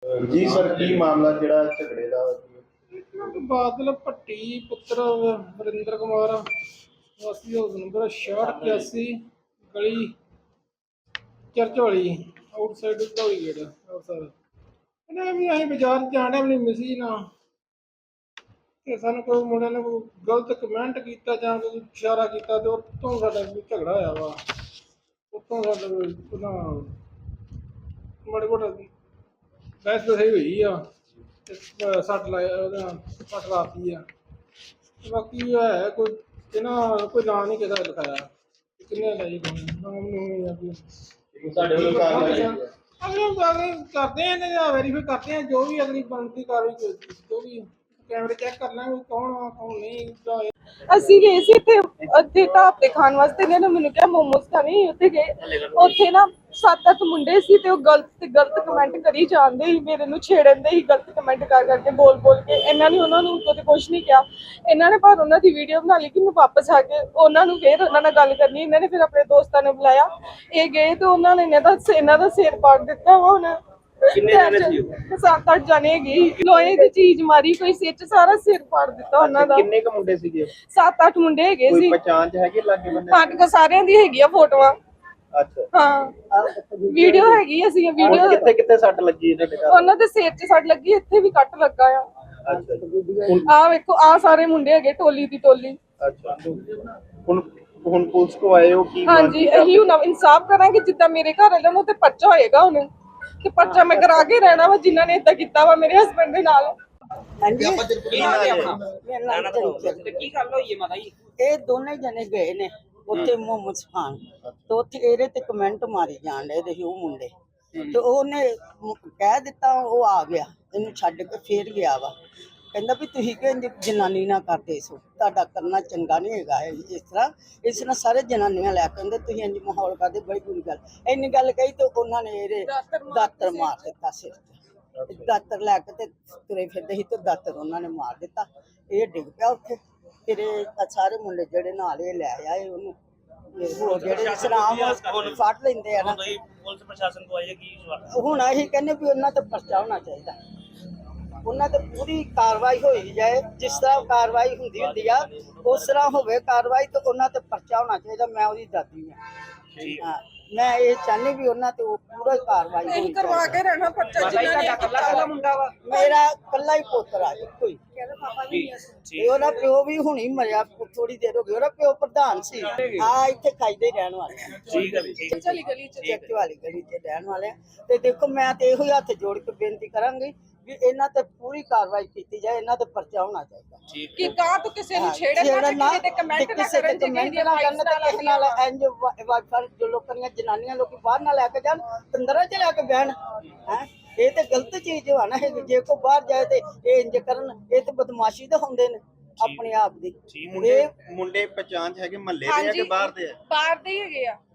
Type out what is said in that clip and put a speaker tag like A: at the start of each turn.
A: जी sir की मामला जिहड़ा झगड़े दा
B: बादल भट्टी पुत्र वरिंदर कुमार वासी हाउस नंबर 6681 गली चर्च वाली आउटसाइड धौली गेट सर कहने भी अं बाजार जाने अपनी मिसी ना ਤੇ ਸਾਨੂੰ ਕੋਈ ਮੁੰਡੇ ਨੇ ਕੋਈ ਗਲਤ ਕਮੈਂਟ ਕੀਤਾ ਜਾਂ ਕੋਈ ਇਸ਼ਾਰਾ ਕੀਤਾ ਤੇ ਉੱਤੋਂ ਸਾਡਾ ਕੋਈ ਝਗੜਾ ਹੋਇਆ ਵਾ ਉੱਤੋਂ ਸਾਡਾ ਉਹਨਾਂ ਮਾੜੇ ਮੋਟਾ ਬਹਿਸ ਬਸਾਈ ਹੋਈ ਆ ਤੇ ਸੱਟ ਲਾਇਆ ਉਹਦਾ ਸੱਟ ਲਾਤੀ ਆ ਬਾਕੀ ਹੈ ਕੋਈ ਇਹਨਾਂ ਕੋਈ ਨਾਂ ਨਹੀਂ ਕਿਸੇ ਦਾ ਲਿਖਾਇਆ ਕਿੰਨੇ ਲਾਈ ਕੋਈ ਨਾਮ ਨਹੀਂ ਆ ਕੋਈ
A: ਸਾਡੇ ਵੱਲੋਂ ਕਾਰਵਾਈ
B: ਅਗਲੇ ਕਰਦੇ ਆ ਇਹਨਾਂ ਦਾ ਵੈਰੀਫਾਈ ਕਰਦੇ ਆ ਜੋ ਵੀ ਅਗਲੀ ਬਣਦੀ ਕਾਰਵਾਈ ਜੋ ਵੀ कैमरे चेक कर लेंगे कौन कौन नहीं
C: ਅਸੀਂ ਗਏ ਸੀ ਤੇ ਢਾਬੇ ਖਾਣ ਵਾਸਤੇ ਨੇ ਮੈਨੂੰ ਕਿਹਾ ਮੋਮੋਸ ਖਾਣੇ ਉੱਥੇ ਗਏ ਉੱਥੇ ਨਾ 7-8 ਮੁੰਡੇ ਸੀ ਤੇ ਉਹ ਗਲਤ ਕਮੈਂਟ ਕਰੀ ਜਾਂਦੇ ਸੀ ਮੇਰੇ ਨੂੰ ਛੇੜਨ ਦੇ ਹੀ ਗਲਤ ਕਮੈਂਟ ਕਰਕੇ ਬੋਲ ਕੇ ਇਹਨਾਂ ਨੇ ਉਹਨਾਂ ਨੂੰ ਕਦੇ ਕੁਝ ਨਹੀਂ ਕਿਹਾ ਇਹਨਾਂ ਨੇ ਪਰ ਉਹਨਾਂ ਦੀ ਵੀਡੀਓ ਬਣਾ ਲਈ ਕਿ ਮੈਂ ਵਾਪਸ ਆ ਕੇ ਉਹਨਾਂ ਨੂੰ ਫੇਰ ਉਹਨਾਂ ਨਾਲ ਗੱਲ ਕਰਨੀ ਇਹਨਾਂ ਨੇ ਫਿਰ ਆਪਣੇ ਦੋਸਤਾਂ ਨੇ ਬੁਲਾਇਆ ਇਹ ਗਏ ਤੇ ਉਹਨਾਂ ਨੇ ਇਹਨਾਂ ਦਾ ਸਿਰ ਪਾੜ ਦਿੱਤਾ ਵਾ ਹੁਣ ਕਿੰਨੇ ਜਣੇ ਸੀ ਉਹ 7-8 ਜਣੇ ਗਏ ਲੋਹੇ ਦੀ ਚੀਜ਼ ਮਾਰੀ ਕੋਈ ਸਿਰ ਚ ਸਾਰਾ ਸਿਰ ਪਾੜ ਦਿੱਤਾ ਉਹਨਾਂ ਦਾ
A: ਕਿੰਨੇ ਕ ਮੁੰਡੇ ਸੀਗੇ
C: 7-8 ਮੁੰਡੇ ਹੈਗੇ ਸੀ
A: ਕੋਈ ਪਛਾਣ ਚ ਹੈਗੇ ਲੱਗੇ ਬੰਦੇ
C: ਸਾਡੇ ਕੋਲ ਸਾਰਿਆਂ ਦੀ ਹੈਗੀ ਆ ਫੋਟੋਆਂ
A: ਅੱਛਾ
C: ਹਾਂ ਵੀਡੀਓ ਹੈਗੀ ਅਸੀਂ ਵੀਡੀਓ
A: ਕਿੱਥੇ ਕਿੱਥੇ ਸੱਟ ਲੱਗੀ ਇਹਨਾਂ ਦੇ
C: ਉਹਨਾਂ ਦੇ ਸਿਰ 'ਚ ਸੱਟ ਲੱਗੀ ਇੱਥੇ ਵੀ ਕੱਟ ਲੱਗਾ ਆ
A: ਅੱਛਾ
C: ਆ ਵੇਖੋ ਆ ਸਾਰੇ ਮੁੰਡੇ ਹੈਗੇ ਟੋਲੀ ਦੀ ਟੋਲੀ
A: ਅੱਛਾ ਹੁਣ ਪੁਲਿਸ ਕੋ ਆਏ ਹੋ ਕੀ
C: ਹਾਂਜੀ ਇਹੀ ਹੁਣ ਇਨਸਾਫ ਕਰਾਂਗੇ ਜਿੱਦਾਂ ਮੇਰੇ ਘਰ ਵਾਲਿਆਂ ਨੂੰ ਤੇ ਪਰਚਾ ਹੋਏਗਾ ਹੁਣ ਤੇ ਪਰਚਾ ਮੈਂ ਕਰਾ ਕੇ ਰਹਿਣਾ ਵਾ ਜਿਨ੍ਹਾਂ ਨੇ ਇਦਾਂ ਕੀਤਾ ਵਾ ਮੇਰੇ ਹਸਬੰਡ ਦੇ ਨਾਲ
D: ਹਾਂਜੀ
E: ਕੀ ਗੱਲ ਹੋਈ ਹੈ ਮਾਤਾ ਜੀ?
D: ਇਹ ਦੋਨੇ ਜਣੇ ਗਏ ਨੇ ਉੱਥੇ ਮੋਮੋਸ ਖਾਣ ਤੇ ਉੱਥੇ ਇਹਦੇ ਤੇ ਕਮੈਂਟ ਮਾਰੀ ਜਾਣ ਦੇ ਸੀ ਉਹ ਮੁੰਡੇ ਤੇ ਉਹਨੇ ਕਹਿ ਦਿੱਤਾ ਉਹ ਆ ਗਿਆ ਇਹਨੂੰ ਛੱਡ ਕੇ ਫੇਰ ਗਿਆ ਵਾ ਕਹਿੰਦਾ ਵੀ ਤੁਸੀਂ ਕਿ ਜਨਾਨੀ ਨਾ ਕਰਦੇ ਸੋ ਤੁਹਾਡਾ ਕਰਨਾ ਚੰਗਾ ਨਹੀਂ ਹੈਗਾ ਇਸ ਤਰ੍ਹਾਂ ਸਾਰੇ ਜਨਾਨੀਆਂ ਲੈ ਕੇ ਕਹਿੰਦੇ ਤੁਸੀਂ ਇੰਜ ਮਾਹੌਲ ਕਰਦੇ ਬੜੀ ਬੁਰੀ ਗੱਲ ਇੰਨੀ ਗੱਲ ਕਹੀ ਤੇ ਉਹਨਾਂ ਨੇ ਇਹਦੇ ਦਾਤਰ ਮਾਰ ਦਿੱਤਾ ਸਿਰ ਤੇ ਦਾਤਰ ਲੈ ਕੇ ਤੇ ਤੁਰੇ ਫਿਰਦੇ ਸੀ ਤੇ ਦਾਤਰ ਉਹਨਾਂ ਨੇ ਮਾਰ ਦਿੱਤਾ ਇਹ ਡਿੱਗ ਪਿਆ ਉੱਥੇ ਫਿਰ ਇਹ ਸਾਰੇ ਮੁੰਡੇ ਜਿਹੜੇ ਨਾਲ ਇਹ ਲੈ ਆਏ ਉਹਨੂੰ ਹੋਰ ਜਿਹੜੇ ਸਲਾਮ ਫੜ ਲੈਂਦੇ ਆ ਨਾ
E: ਪੁਲਿਸ ਪ੍ਰਸ਼ਾਸਨ ਕੋ ਆਏ ਕੀ
D: ਹੁਣ ਅਸੀਂ ਕਹਿੰਦੇ ਵੀ ਉਹਨਾਂ ਤੇ ਪਰਚਾ ਹੋਣਾ ਚਾਹੀਦਾ ਉਹਨਾਂ ਤੇ ਪੂਰੀ ਕਾਰਵਾਈ ਹੋਈ ਜਾਏ ਜਿਸ ਤਰ੍ਹਾਂ ਕਾਰਵਾਈ ਹੁੰਦੀ ਆ ਉਸ ਤਰ੍ਹਾਂ ਹੋਵੇ ਕਾਰਵਾਈ ਤੇ ਉਹਨਾਂ ਤੇ ਪਰਚਾ ਹੋਣਾ ਚਾਹੀਦਾ ਮੈਂ ਉਹਦੀ ਦਾਦੀ ਹਾਂ ਮੈਂ ਇਹ ਚਾਹੁੰਦੀ ਵੀ ਉਹਨਾਂ ਤੇ ਉਹ ਪੂਰਾ ਕਾਰਵਾਈ ਹੋਈ
C: ਕਰਵਾ ਕੇ ਰਹਿਣਾ ਪਰਚਾ ਜਿਨ੍ਹਾਂ ਨੇ
E: ਕੱਲਾ ਮੁੰਡਾ ਵਾ
D: ਮੇਰਾ ਕੱਲਾ ਹੀ ਪੁੱਤਰ ਆ ਇੱਕੋ ਹੀ ਤੇ ਉਹਦਾ ਪਿਓ ਵੀ ਹੁਣੀ ਮਰਿਆ ਥੋੜੀ ਦੇਰ ਹੋ ਗਈ ਉਹਦਾ ਪਿਓ ਪ੍ਰਧਾਨ ਸੀ ਆ ਇੱਥੇ ਖਾਈਦੇ ਰਹਿਣ ਵਾਲੇ
E: ਠੀਕ ਹੈ ਜੀ
C: ਚਲੀ ਗਲੀ 'ਚ
D: ਚੱਕ ਵਾਲੀ ਗਲੀ 'ਚ ਰਹਿਣ ਵਾਲੇ ਤੇ ਦੇਖੋ ਮੈਂ ਤੇ ਇਹੋ ਹੀ ਹੱਥ ਜੋੜ ਕੇ ਬੇਨਤੀ ਕਰਾਂਗੀ ਵੀ ਇਹਨਾਂ ਤੇ ਪੂਰੀ ਕਾਰਵਾਈ ਕੀਤੀ ਜਾਏ ਇਹਨਾਂ ਤੇ ਪਰਚਾ ਹੋਣਾ ਚਾਹੀਦਾ
C: ਕਿ ਕਾਹ ਤੋਂ ਕਿਸੇ ਨੂੰ ਛੇੜਨ ਨਾ ਕਿਸੇ ਤੇ ਕਮੈਂਟ ਨਾ ਕਰਨ
D: ਕਿਸੇ ਨਾਲ ਇੰਜ ਵਾਈਫਾਈ ਜੋ ਲੋਕਾਂ ਦੀਆਂ ਜਨਾਨੀਆਂ ਲੋਕੀ ਬਾਹਰ ਨਾ ਲੈ ਕੇ ਜਾਣ ਤੰਦਰਾਂ 'ਚ ਲੈ ਕੇ ਬਹਿਣ ਹੈ ਇਹ ਤੇ ਗਲਤ ਚੀਜ਼ ਆ ਨਾ ਜੇ ਕੋ ਬਾਹਰ ਜਾਏ ਤੇ ਇਹ ਇੰਜ ਕਰਨ ਇਹ ਤੇ ਬਦਮਾਸ਼ੀ ਤਾਂ ਹੁੰਦੇ ਨੇ ਆਪਣੇ ਆਪ ਦੀ
A: ਮੁੰਡੇ ਪਛਾਣ ਚ ਹੈਗੇ ਮਹੱਲੇ ਦੇ ਆ ਕਿ ਬਾਹਰ ਦੇ ਆ
C: ਬਾਹਰ ਦੇ ਹੀ ਹੈਗੇ ਆ